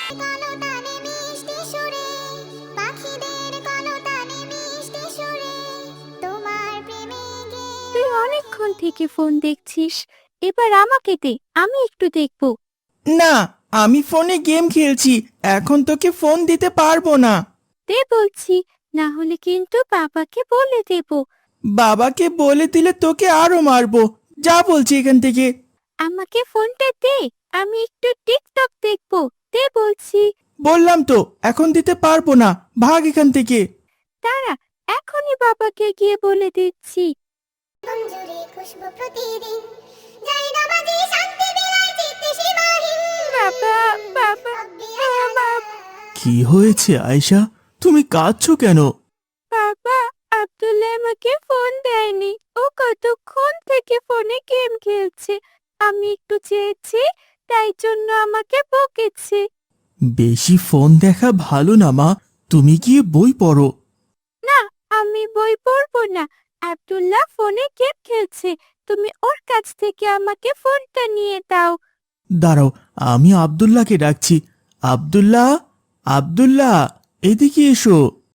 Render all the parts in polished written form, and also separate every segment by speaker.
Speaker 1: কলতানে মিষ্টি সুরে, পাখিদের কলতানে মিষ্টি সুরে, তোমার প্রেমে গেয়ে।
Speaker 2: তুই অনেকক্ষণ থেকে ফোন দেখছিস, এবার আমাকে দে, আমি একটু দেখব।
Speaker 3: না, আমি ফোনে গেম খেলছি, এখন তোকে ফোন দিতে পারবো না।
Speaker 2: দে বলছি, না হলে কিন্তু বাবাকে বলে দেব।
Speaker 3: বাবাকে বলে দিলে তোকে আরো মারবো। যা বলছি এখান থেকে।
Speaker 2: আমাকে ফোনটা দে, আমি একটু টিকটক দেখব। দে বলছি।
Speaker 3: বললাম তো এখন দিতে পারবো না, ভাগ এখান থেকে।
Speaker 2: দাঁড়া, এখনই বাবাকে গিয়ে বলে দিচ্ছি।
Speaker 1: মঞ্জুরি খুশবু প্রতিদিন, যাই না বাজি শান্তি বিলায় চিত্তে সীমাহীন।
Speaker 2: বাবা, বাবা, বাবা,
Speaker 3: কি হয়েছে আয়শা, তুমি কাঁদছো কেন?
Speaker 2: বাবা, আব্দুল্লাহ আমাকে ফোন দেয়নি। ও কতক্ষণ থেকে ফোনে গেম খেলছে। আমি একটু চেয়েছি, তাই জন্য আমাকে বকেছে।
Speaker 3: বেশি ফোন দেখা ভালো না মা, তুমি গিয়ে বই পড়ো।
Speaker 2: না, আমি বই পড়বো না। আব্দুল্লাহ ফোনে গেম খেলছে, তুমি ওর কাছ থেকে আমাকে ফোনটা নিয়ে দাও।
Speaker 3: দাঁড়াও, আমি আব্দুল্লাহকে ডাকছি। আব্দুল্লাহ, আব্দুল্লাহ, এদিকে এসো।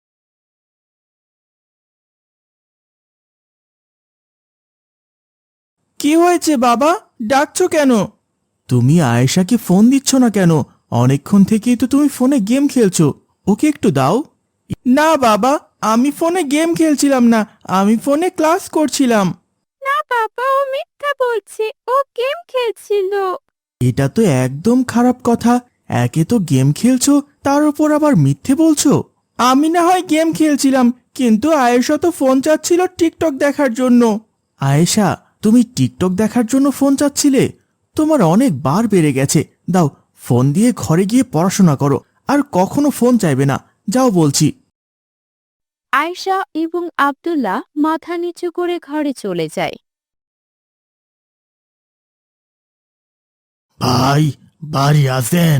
Speaker 3: কি হয়েছে বাবা, ডাকছো কেন? তুমি আয়েশাকে ফোন দিচ্ছ না কেন? অনেকক্ষণ থেকেই তো তুমি ফোনে গেম খেলছো, ওকে একটু দাও। না বাবা, আমি ফোনে গেম খেলছিলাম না, আমি ফোনে ক্লাস করছিলাম।
Speaker 2: না বাবা, ও মিথ্যা বলছে, ও গেম খেলছিল।
Speaker 3: এটা তো একদম খারাপ কথা। একে তো গেম খেলছো, তার উপর আবার মিথ্যে বলছো। আমি না হয় গেম খেলছিলাম, কিন্তু আয়েশা তো ফোন চাচ্ছিল টিকটক দেখার জন্য। আয়েশা, তুমি টিকটক দেখার জন্য ফোন চাচ্ছিলে? তোমার অনেক বার বেড়ে গেছে। দাও, ফোন দিয়ে ঘরে গিয়ে পড়াশোনা করো, আর কখনো ফোন চাইবে না। যাও বলছি।
Speaker 2: আয়েশা এবং আব্দুল্লাহ মাথা নিচু করে ঘরে চলে যায়।
Speaker 3: ভাই, বাড়ি আছেন?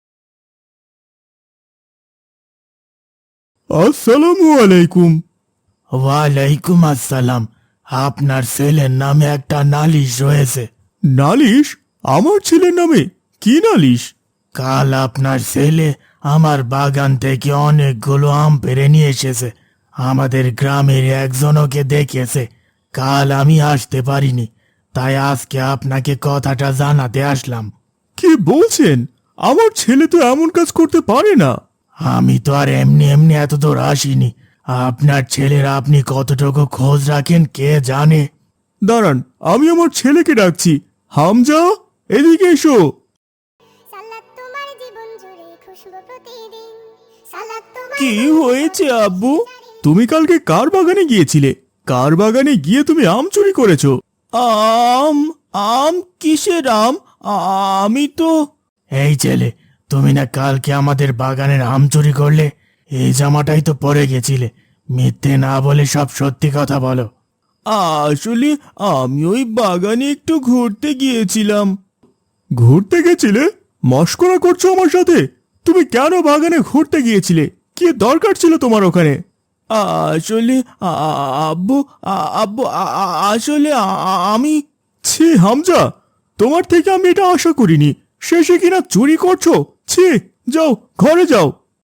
Speaker 3: আসসালামু আলাইকুম। ওয়ালাইকুম আসসালাম। আপনার ছেলের নামে একটা নালিশ রয়েছে। নালিশ? আমার ছেলের নামে? কি নালিশ? কাল আপনার ছেলে আমার বাগান থেকে অনেকগুলো আম পেড়ে নিয়ে এসেছে। আমাদের গ্রামের একজনকে দেখেছে। কাল আমি আসতে পারিনি, তাই আজকে আপনাকে কথাটা জানাতে আসলাম। কি বলছেন? আমার ছেলে তো এমন কাজ করতে পারে না। আমি তো আর এমনি এমনি এত দূর আসিনি। আপনার ছেলের আপনি কতটুকু খোঁজ রাখেন কে জানে। দাঁড়ান, আমি আমার ছেলেকে ডাকছি। হামজা, এদিকে এসো।
Speaker 1: সালাত তোমার জীবন জুড়ে খুশবু প্রতিদিন, সালাত তোমার।
Speaker 3: কি হয়েছে আব্বু? তুমি কালকে কার বাগানে গিয়েছিলে? কার বাগানে গিয়ে তুমি আম চুরি করেছো? আম? আম? কিসের আম? আমি তো। এই ছেলে, তুমি না কালকে আমাদের বাগানের আম চুরি করলে? এই জামাটাই তো পরে গেছিলে। মিথ্যে না বলে সব সত্যি কথা বলো। আসলে আমি ওই বাগানে একটু ঘুরতে গিয়েছিলাম। ঘুরতে গেছিলে? মশকরা করছো আমার সাথে? তুমি কেন বাগানে ঘুরতে গিয়েছিলে? কি দরকার ছিল তোমার ওখানে? আসলে আব্বু, আব্বু, আসলে আমি। ছি হামজা, তোমার থেকে আমি এটা আশা করিনি। শেষে কিনা চুরি করছো? ছি, যাও ঘরে যাও।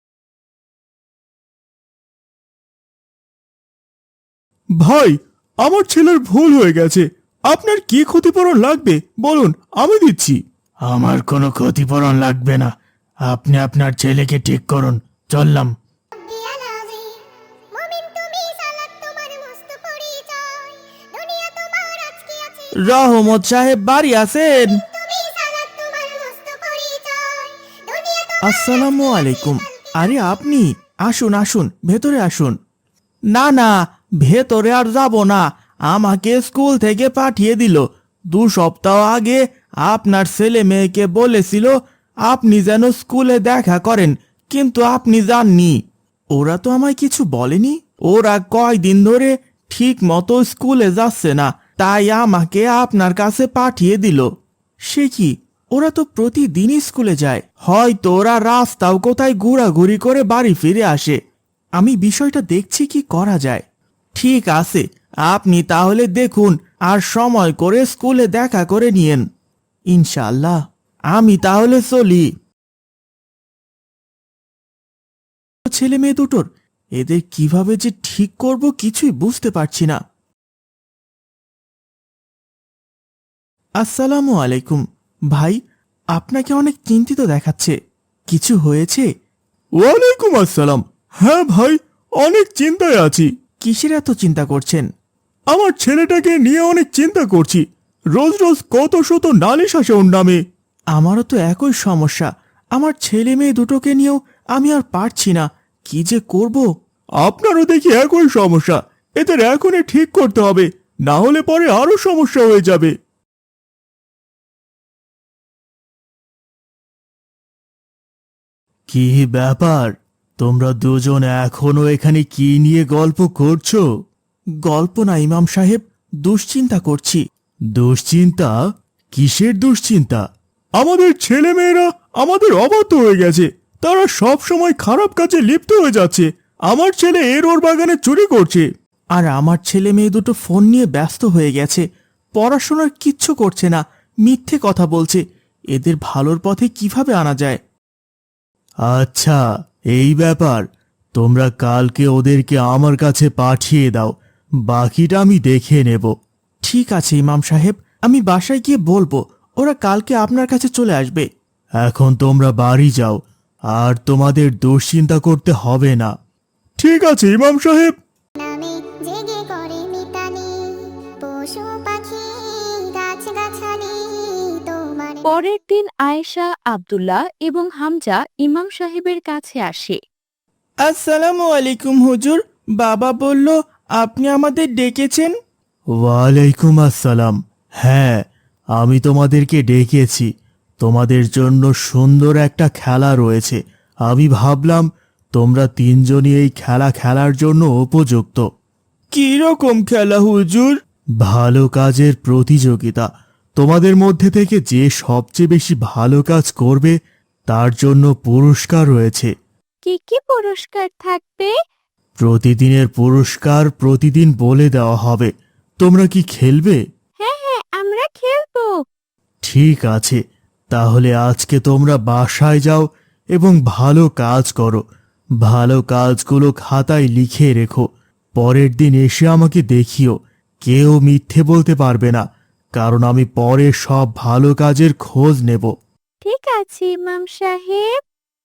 Speaker 3: ভাই, আমার ছেলের ভুল হয়ে গেছে। আপনার কি ক্ষতিপূরণ লাগবে বলুন, আমি দিচ্ছি। আমার কোনো ক্ষতিপূরণ লাগবে না। আপনি আপনার ছেলেকে ঠিক করুন। চললাম।
Speaker 1: রব্বিয়াল আযীম, মুমিন তুমি, সালাত তোমার মস্ত পরিচয়, দুনিয়া তোমার আজকে আছে।
Speaker 3: রহমত সাহেব বাড়ি আছেন?
Speaker 1: তুমি, সালাত তোমার মস্ত পরিচয়, দুনিয়া তোমার।
Speaker 3: আসসালামু আলাইকুম। আরে আপনি, আসুন আসুন, ভেতরে আসুন। না না, ভেতরে আর যাব না। আমাকে স্কুল থেকে পাঠিয়ে দিল। 2 সপ্তাহ আগে আপনার ছেলে মেয়েকে বলেছিল আপনি যেন স্কুলে দেখা করেন, কিন্তু আপনি যাননি। ওরা তো আমায় কিছু বলেনি। ওরা কয়দিন ধরে ঠিক মতো স্কুলে যাচ্ছে না, তাই আমাকে আপনার কাছে পাঠিয়ে দিল। সে কি, ওরা তো প্রতিদিনই স্কুলে যায়। হয়তো ওরা রাস্তাও কোথায় ঘোরাঘুরি করে বাড়ি ফিরে আসে। আমি বিষয়টা দেখছি কি করা যায়। ঠিক আছে, আপনি তাহলে দেখুন, আর সময় করে স্কুলে দেখা করে নিয়েন। ইনশাআল্লাহ। আমি তাহলে চলি। ছেলে মেয়ে দুটোর, এদের কিভাবে যে ঠিক করব কিছুই বুঝতে পারছি না। আসসালামু আলাইকুম ভাই, আপনাকে অনেক চিন্তিত দেখাচ্ছে, কিছু হয়েছে? ওয়ালাইকুম আসসালাম। হ্যাঁ ভাই, অনেক চিন্তায় আছি। কিসের এত চিন্তা করছেন? আমার ছেলেটাকে নিয়ে অনেক চিন্তা করছি। রোজ রোজ কত শত নালিশ আসে ওর নামে। আমারও তো একই সমস্যা। আমার ছেলে মেয়ে দুটোকে নিয়েও আমি আর পারছি না, কি যে করব। আপনারও দেখি একই সমস্যা। এদের এখনই ঠিক করতে হবে, না হলে পরে আরো সমস্যা হয়ে যাবে। কি ব্যাপার, তোমরা দুজন এখনো এখানে কি নিয়ে গল্প করছো? গল্প না ইমাম সাহেব, দুশ্চিন্তা করছি। দুশ্চিন্তা? কিসের দুশ্চিন্তা? আমাদের ছেলেমেয়েরা আমাদের অবাধ্য হয়ে গেছে। তারা সব সময় খারাপ কাজে লিপ্ত হয়ে যাচ্ছে। আমার ছেলে এর ওর বাগানে চুরি করছে, আর আমার ছেলে মেয়ে দুটো ফোন নিয়ে ব্যস্ত হয়ে গেছে, পড়াশোনার কিচ্ছু করছে না, মিথ্যে কথা বলছে। এদের ভালোর পথে কিভাবে আনা যায়? আচ্ছা, এই ব্যাপার। তোমরা কালকে ওদেরকে আমার কাছে পাঠিয়ে দাও, বাকিটা আমি দেখে নেব। ঠিক আছে ইমাম সাহেব, আমি বাসায় গিয়ে বলবো, ওরা কালকে আপনার কাছে চলে আসবে। এখন তোমরা বাড়ি যাও, আর তোমাদের দুশ্চিন্তা করতে হবে না। ঠিক আছে ইমাম সাহেব।
Speaker 1: নামে জেগে করে মিতালি, পশু পাখি গাছগাছালি তোমার।
Speaker 2: পরের দিন আয়েশা, আব্দুল্লাহ এবং হামজা ইমাম সাহেবের কাছে আসে।
Speaker 3: আসসালামু আলাইকুম হুজুর, বাবা বলল আপনি আমাদের ডেকেছেন। ওয়ালাইকুম আসসালাম। হ্যাঁ, আমি তোমাদেরকে ডেকেছি। তোমাদের জন্য সুন্দর একটা খেলা রয়েছে। আমি ভাবলাম তোমরা তিনজনই এই খেলা খেলার জন্য উপযুক্ত। কি রকম খেলা হুজুর? ভালো কাজের প্রতিযোগিতা। তোমাদের মধ্যে থেকে যে সবচেয়ে বেশি ভালো কাজ করবে তার জন্য পুরস্কার রয়েছে।
Speaker 2: কি কি পুরস্কার থাকবে?
Speaker 3: প্রতিদিনের পুরস্কার প্রতিদিন বলে দেওয়া হবে। তোমরা কি খেলবে?
Speaker 2: হ্যাঁ হ্যাঁ, আমরা খেলবো।
Speaker 3: ঠিক আছে, তাহলে আজকে তোমরা বাসায় যাও এবং ভালো কাজ করো। ভালো কাজগুলো খাতায় লিখে রেখো। পরের দিন এসে আমাকে দেখিও। কেউ মিথ্যে বলতে পারবে না, কারণ আমি পরে সব ভালো কাজের খোঁজ নেব।
Speaker 2: ঠিক আছে ইমাম সাহেব।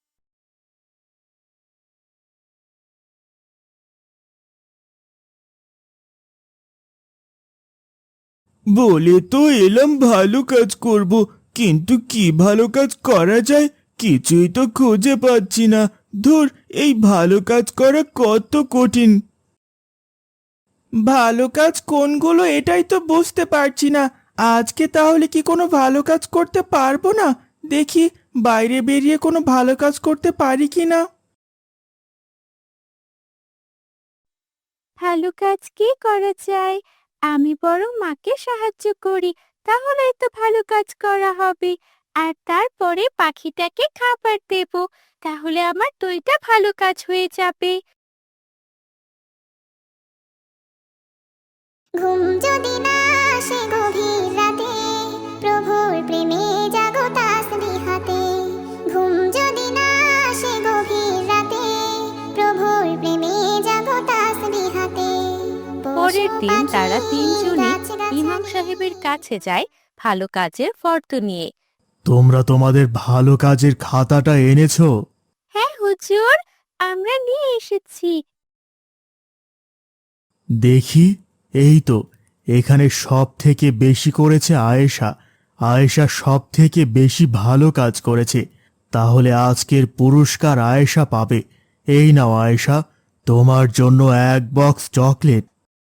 Speaker 3: বলে তো এলাম ভালো কাজ করব, কিন্তু কি ভালো কাজ করা যায় কিছুই তো খুঁজে পাচ্ছি না। ধুর, এই ভালো কাজ করা কত কঠিন। ভালো কাজ কোনগুলো এটাই তো বুঝতে পারছি না। আজকে তাহলে কি কোনো ভালো কাজ করতে পারবো না? দেখি বাইরে বেরিয়ে কোনো ভালো কাজ করতে পারি কি না।
Speaker 2: ভালো কাজ কি করা যায়? আমি বরং মাকে সাহায্য করি, তাহলেই তো ভালো কাজ করা হবে। আর তারপরে পাখিটাকে খাবার দেব, তাহলে আমার দুইটা ভালো কাজ হয়ে যাবে।
Speaker 1: ঘুম যদি না আসে গভীর রাতে, প্রভুর প্রেমে জাগো তাসবিহাতে। ঘুম যদি না আসে গভীর রাতে, প্রভুর প্রেমে জাগো তাসবিহাতে।
Speaker 2: পরের দিন তারা তিনজনই ইমাম সাহেবের কাছে যায় ভালো কাজের ফর্দ নিয়ে।
Speaker 3: তোমরা তোমাদের ভালো কাজের খাতাটা এনেছো?
Speaker 2: হ্যাঁ হুজুর, আমরা নিয়ে এসেছি।
Speaker 3: দেখি, এই তো, এখানে সব থেকে বেশি করেছে আয়েশা। আয়েশা সব থেকে বেশি ভালো কাজ করেছে। তাহলে আজকের পুরস্কার আয়েশা পাবে। এই নাও আয়েশা, তোমার জন্য এক বক্স চকলেট।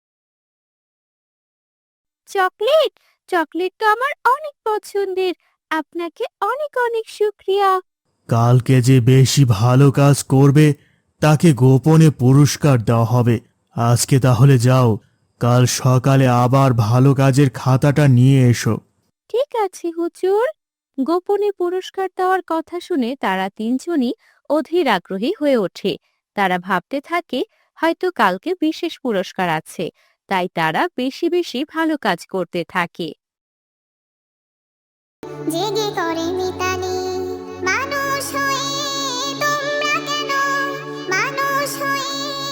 Speaker 2: চকলেট? চকলেট তো আমার অনেক পছন্দের। আপনাকে অনেক অনেক শুক্রিয়া।
Speaker 3: কালকে যে বেশি ভালো কাজ করবে তাকে গোপনে পুরস্কার দেওয়া হবে। আজকে তাহলে যাও, কাল সকালে আবার ভালো কাজের খাতাটা নিয়ে এসো।
Speaker 2: ঠিক আছে হুজুর। গোপনে পুরস্কার দেওয়ার কথা শুনে তারা তিনজনই অধীর আগ্রহী হয়ে ওঠে। তারা ভাবতে থাকে হয়তো কালকে বিশেষ পুরস্কার আছে, তাই তারা বেশি বেশি ভালো কাজ করতে থাকে।
Speaker 1: জেগে করে মিতালি, মানুষ হয়ে তোমরা কেন মানুষ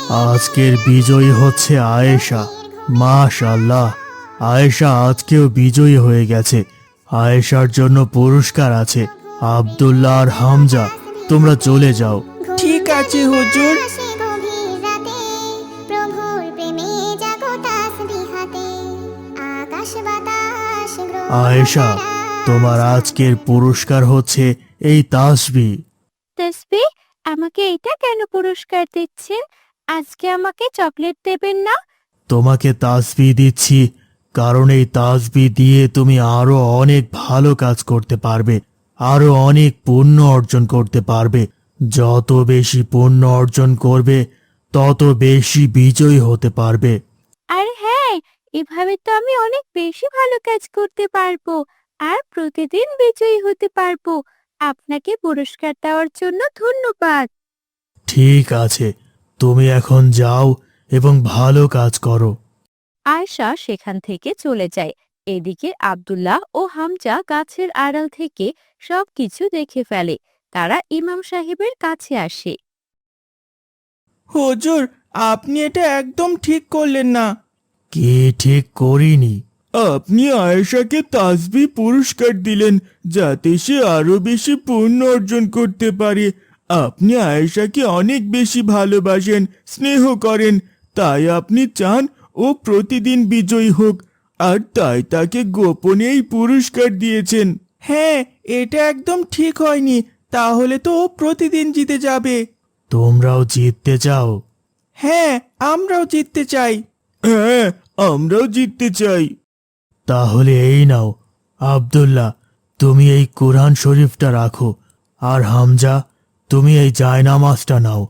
Speaker 3: আজকের বিজয়ী হচ্ছে আয়েশা। মাশাআল্লাহ, আয়েশা আজকেও বিজয়ী হয়ে গেছে। আয়েশার জন্য পুরস্কার আছে। আব্দুল্লাহ আর হামজা, তোমরা চলে যাও।
Speaker 4: ঠিক আছে হুজুর।
Speaker 1: আসে গভীর রাতে, প্রভুর প্রেমে জাগো তাসবিহাতে, আকাশ বাতাস গ্রহ
Speaker 3: আয়েশা, তোমার আজকের পুরস্কার হচ্ছে এই তাসবিহ।
Speaker 2: তাসবি, আমাকে এটা কেন পুরস্কার দিচ্ছেন? আজকে আমাকে চকলেট দেবেন না?
Speaker 3: তোমাকে তাসবিহ দিচ্ছি কারণ এই তাসবিহ দিয়ে তুমি আরো অনেক ভালো কাজ করতে পারবে, আরো অনেক পুণ্য অর্জন করতে পারবে। যত বেশি পুণ্য অর্জন করবে তত বেশি বিজয়ী হতে পারবে।
Speaker 2: আর হ্যাঁ, এভাবে তো আমি অনেক বেশি ভালো কাজ করতে পারবো আর প্রতিদিন বিজয়ী হতে পারবো। আপনাকে পুরস্কার দেওয়ার জন্য ধন্যবাদ।
Speaker 3: ঠিক আছে, তুমি এখন যাও এবং ভালো কাজ করো।
Speaker 2: আয়শা সেখান থেকে চলে যায়। এদিকে আব্দুল্লাহ ও হামজা গাছের আড়াল থেকে সবকিছু দেখে ফেলে। তারা ইমাম সাহেবের কাছে আসে।
Speaker 4: হুজুর, আপনি এটা একদম ঠিক করলেন না।
Speaker 3: কি ঠিক করিনি? আপনি আয়েশাকে তাসবিহ পুরস্কার দিলেন যাতে সে আরো বেশি পুণ্য অর্জন করতে পারে। আপনি আয়েশাকে অনেক বেশি ভালোবাসেন, স্নেহ করেন, তাই আপনি চান ও প্রতিদিন বিজয়ী হোক, আর তাই তাকে গোপনে এই পুরস্কার দিয়েছেন।
Speaker 4: হ্যাঁ, এটা একদম ঠিক হয়নি। তাহলে তো ও প্রতিদিন জিতে যাবে।
Speaker 3: তোমরাও জিততে চাও?
Speaker 4: হ্যাঁ, আমরাও জিততে চাই।
Speaker 3: হ্যাঁ, আমরাও জিততে চাই। তাহলে এই নাও, আব্দুল্লাহ, তুমি এই কোরআন শরীফটা রাখো, আর হামজা, তুমি এই জায়নামাজটা নাও।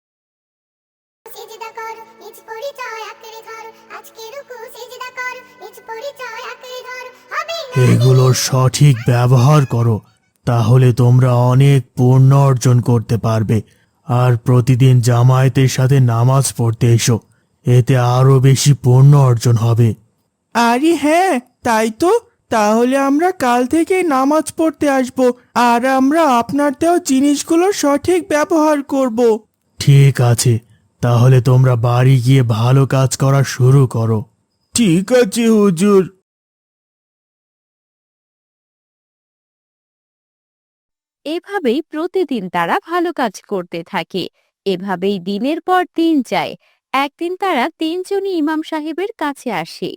Speaker 1: সিজদা কর, নিজ পরিচয় আঁকড়ে ধর, আজকে রুকু সিজদা কর, নিজ পরিচয় আঁকড়ে ধর, হবে না
Speaker 3: এগুলোর সঠিক ব্যবহার করো, তাহলে তোমরা অনেক পুণ্য অর্জন করতে পারবে। আর প্রতিদিন জামায়াতের সাথে নামাজ পড়তে এসো, এতে আরো বেশি পুণ্য অর্জন হবে।
Speaker 4: আরে হ্যাঁ, তাই তো। তাহলে আমরা কাল থেকে নামাজ পড়তে আসব, আর আমরা আপনার দেওয়া জিনিসগুলোর সঠিক ব্যবহার করব।
Speaker 3: ঠিক আছে, তাহলে তোমরা বাড়ি গিয়ে ভালো কাজ করা শুরু করো। ঠিক আছে হুজুর।
Speaker 2: এভাবেই প্রতিদিন তারা ভালো কাজ করতে থাকে। এভাবেই দিনের পর দিন যায়। একদিন তারা তিনজনই ইমাম সাহেবের কাছে আসে।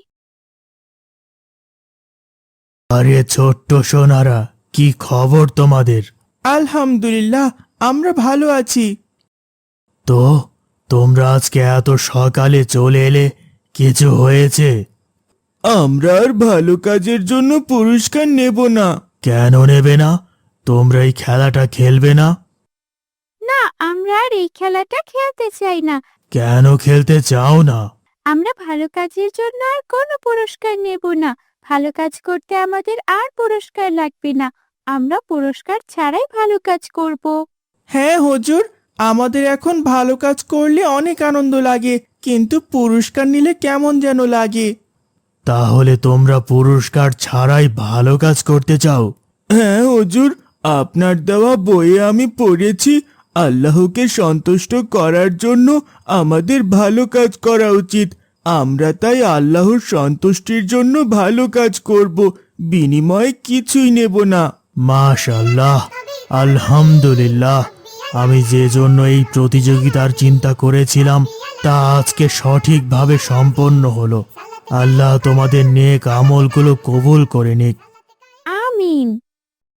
Speaker 3: আরে ছোট্ট সোনারা, কি খবর তোমাদের?
Speaker 4: আলহামদুলিল্লাহ, আমরা ভালো আছি।
Speaker 3: তো তোমরা আজকে এত সকালে চলে এলে, কিছু হয়েছে? আমরা আর ভালো কাজের জন্য পুরস্কার নেব না। কেন নেবে না? তোমরা এই খেলাটা খেলবে না?
Speaker 2: না, আমরা আর এই খেলাটা খেলতে চাই না।
Speaker 3: কেন খেলতে চাও না?
Speaker 2: আমরা ভালো কাজের জন্য আর কোনো পুরস্কার নেব না। ভালো কাজ করতে আমাদের আর পুরস্কার লাগবে না। আমরা পুরস্কার ছাড়াই ভালো কাজ করব।
Speaker 4: হ্যাঁ হুজুর, আমাদের এখন ভালো কাজ করলে অনেক আনন্দ লাগে, কিন্তু পুরস্কার নিলে কেমন যেন লাগে।
Speaker 3: তাহলে তোমরা পুরস্কার ছাড়াই ভালো কাজ করতে চাও? হ্যাঁ হুজুর, আপনার দেওয়া বইয়ে আমি পড়েছি আল্লাহকে সন্তুষ্ট করার জন্য আমাদের ভালো কাজ করা উচিত। আমরা তাই আল্লাহর সন্তুষ্টির জন্য ভালো কাজ করব, বিনিময়ে কিছুই নেব না। মাশাআল্লাহ, আলহামদুলিল্লাহ, আমি যে জন্য এই প্রতিযোগিতার চিন্তা করেছিলাম তা আজকে সঠিকভাবে সম্পন্ন হলো। আল্লাহ তোমাদের নেক আমলগুলো কবুল করে নিক।
Speaker 2: আমিন।